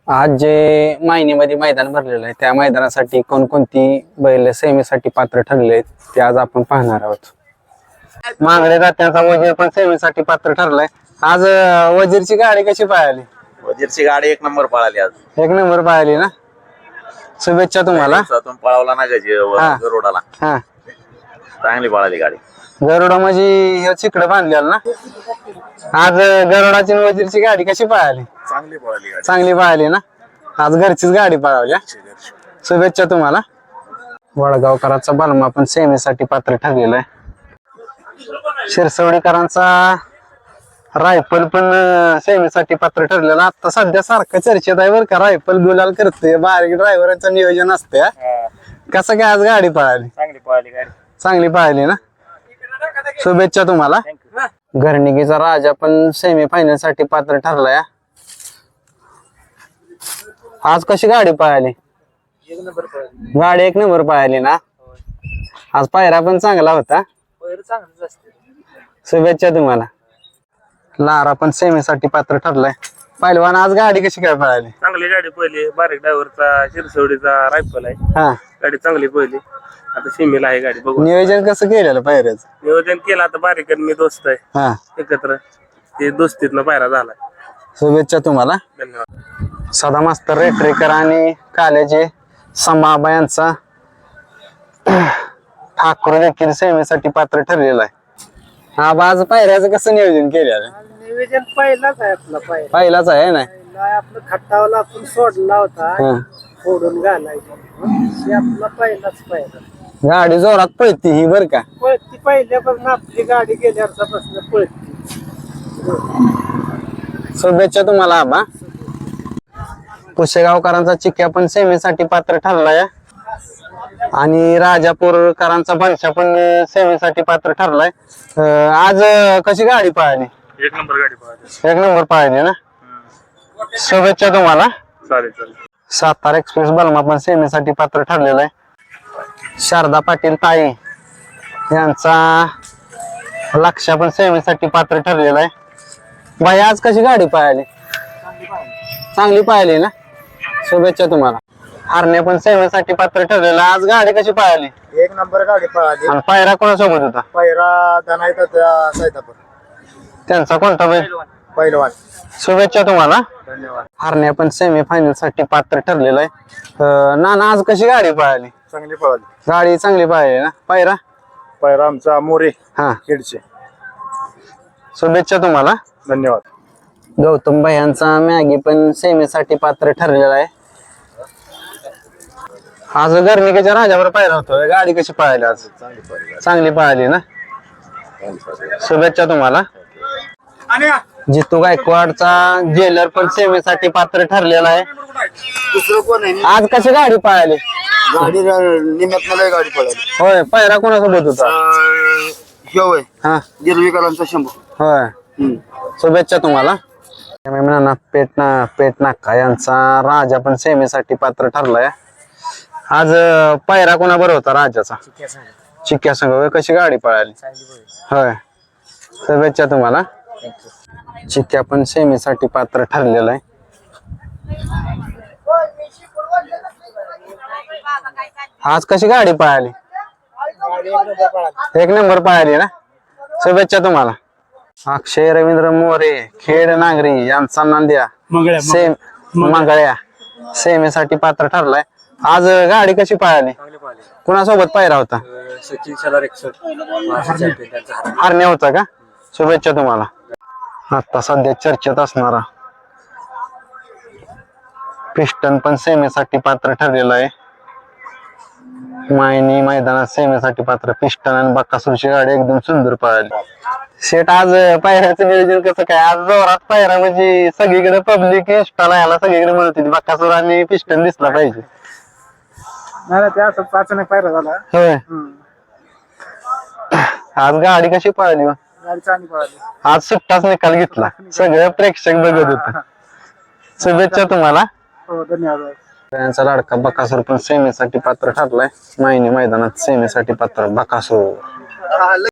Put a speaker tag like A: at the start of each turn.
A: आज जे मायनीमध्ये मैदान भरलेलं आहे त्या मैदानासाठी कोणकोणती बैल सेमीसाठी पात्र ठरले आहेत ते आज आपण पाहणार आहोत. मांगडे जात्यांचा वजीर पण सेमीसाठी पात्र ठरलाय. आज वजीरची गाडी कशी पाहिली?
B: वजीरची गाडी एक नंबर पळाली आज.
A: एक नंबर पाहिली ना. शुभेच्छा तुम्हाला.
B: पळवला ना गरुडाला.
A: हा
B: चांगली पळाली गाडी.
A: गरुडा म्हणजे चिकडे बांधलेला ना. आज गरुडाची आणि वजीरची गाडी कशी पाहिली?
B: चांगली पळाली गाडी.
A: चांगली पाहिली ना. आज घरचीच गाडी पळवली. शुभेच्छा तुम्हाला. वडगावकरांचा बलमा पण सेमीसाठी पात्र ठरलेला आहे. शिरसवडीकरांचा रायफल पण सेमीसाठी पात्र ठरलेला. आता सध्या सारखं चर्चेत आहे बरं का. रायफल गुलाल करते, बारीक ड्रायव्हरचं नियोजन असते. कसं काय आज गाडी पळाली?
B: चांगली पळाली गाडी.
A: चांगली पाहिली ना. शुभेच्छा तुम्हाला. घरणिकीचा राजा पण सेमी फायनल साठी पात्र ठरलाय. आज कशी गाडी पळाली? गाडी एक नंबर पळाली ना. आज पायरा पण चांगला होता. शुभेच्छा तुम्हाला. लारा पण सेमीसाठी पात्र ठरलाय. पहिलवान आज गाडी कशी काय पळाली?
C: चांगली गाडी पहिली. बारीक ड्रायव्हरचा शिरसवडीचा रायफल आहे.
A: हा
C: गाडी चांगली पहिली. आता सीमेला आहे गाडी. बघू
A: नियोजन कसं केलेलं पायऱ्याचं?
C: नियोजन केलं. आता बारीक आणि मी दोस्त आहे
A: हा
C: एकत्र. ते दोस्तीतनं पायरा झाला.
A: शुभेच्छा तुम्हाला.
C: धन्यवाद.
A: सदा मास्तर रेटरेकर आणि कालेजे समाबा यांचा ठाकूर देखील सेमीसाठी पात्र ठरलेला आहे. हा आज पायऱ्याचं कसं नियोजन केलेलं?
D: नियोजन पहिलाच आहे आपला
A: पहिलाच आहे ना.
D: आपलं खट्टावला आपण सोडला होता
A: हा.
D: फोडून घालायचा. आपला पहिलाच पहिला
A: गाडी जोरात पळती ही बर का.
D: पळती पहिल्यापासून आपली गाडी गेल्यापासून पळती.
A: शुभेच्छा तुम्हाला आबा. पुशेगावकरांचा चिक्या पण सेमीसाठी पात्र ठरलाय आणि राजापूरकरांचा बनशा पण सेमीसाठी पात्र ठरलाय. आज कशी गाडी पाहिली?
C: एक नंबर गाडी पळाली.
A: एक नंबर पाहिली ना. शुभेच्छा तुम्हाला.
C: चालेल चालेल.
A: सातारा एक्सप्रेस बलमा पण सेमीसाठी पात्र ठरलेला आहे. शारदा पाटील ताई यांचा लक्ष्या पण सेमीसाठी पात्र ठरलेला आहे. भाई आज कशी गाडी पाहिली? चांगली पाहिली ना. शुभेच्छा तुम्हाला. हरणे पण सेमीसाठी पात्र ठरलेला. आज गाडी कशी पाहिली?
D: एक नंबर गाडी पळाली.
A: आणि पायरा कोणासोबत होता?
D: पहिला धनायचा सैतापूर
A: त्यांचा कोणता बैल?
D: पहिलवान.
A: शुभेच्छा तुम्हाला.
D: धन्यवाद.
A: हरणे पण सेमी फायनल साठी पात्र ठरलेला आहे. नाना आज कशी गाडी पाहिली?
D: चांगली पळाली.
A: गाडी चांगली पाहिली ना. पायरा
D: पहिला आमचा मोरे
A: हा.
D: खेडचे.
A: शुभेच्छा तुम्हाला.
D: धन्यवाद.
A: गौतम भाई यांचा मॅगी पण सेमीसाठी पात्र ठरलेला आहे. आज गर्णिकेच्या राजावर पायरा होतो. गाडी कशी पाहिली आज? चांगली पाहिली ना. शुभेच्छा तुम्हाला. जितू गायकवाडचा जेलर पण सेमीसाठी पात्र ठरलेला आहे.
D: दुसरं कोण आहे?
A: आज कशी गाडी पाहिली?
D: गाडी निम्यात मला गाडी पळाली.
A: होय. पायरा कोणासोबत होता?
D: होय.
A: हा
D: गिरवीकरांचा शंभू.
A: होय. शुभेच्छा तुम्हाला. म्हणा पेटनाका यांचा राजा पण सेमीसाठी पात्र ठरलाय. आज पायरा कोणाबरोबर होता राजाचा? चिक्या संघ. होय. कशी गाडी पळाली? होय. शुभेच्छा तुम्हाला. चिक्या पण सेमीसाठी पात्र ठरलेला आहे. आज कशी गाडी पळाली? एक नंबर पळाली ना. शुभेच्छा तुम्हाला. अक्षय रवींद्र मोरे खेड नागरी यांचा नांद्या मंगळ्या सेमीसाठी पात्र ठरलाय. आज गाडी कशी पळाली? कुणासोबत पायरा होता? हरणे होता का. शुभेच्छा तुम्हाला. आता सध्या चर्चेत असणारा पिस्टन पण सेमीसाठी पात्र ठरलेला आहे. मायनी मैदानात सेमीसाठी पात्र पिस्टन आणि बक्कासूरची गाडी एकदम सुंदर पळाली. शेट आज पायऱ्याचं नियोजन कसं काय? आज जोरात पायरा म्हणजे सगळीकडे पब्लिक इंस्टाला याला सगळीकडे म्हणत होती बक्कासूर आणि पिस्टन दिसला पाहिजे.
D: नाही ते असं अचानक पायरा झाला.
A: होय. आज गाडी कशी पळाली?
D: गाडी चांगली पळाली.
A: आज सुट्टाच निकाल घेतला. सगळे प्रेक्षक बघत होते. शुभेच्छा तुम्हाला.
D: हो धन्यवाद.
A: त्यांचा लाडका बकासूर पण सेमीसाठी पात्र ठरलाय. मायनी मैदानात सेमीसाठी पात्र बकासूर.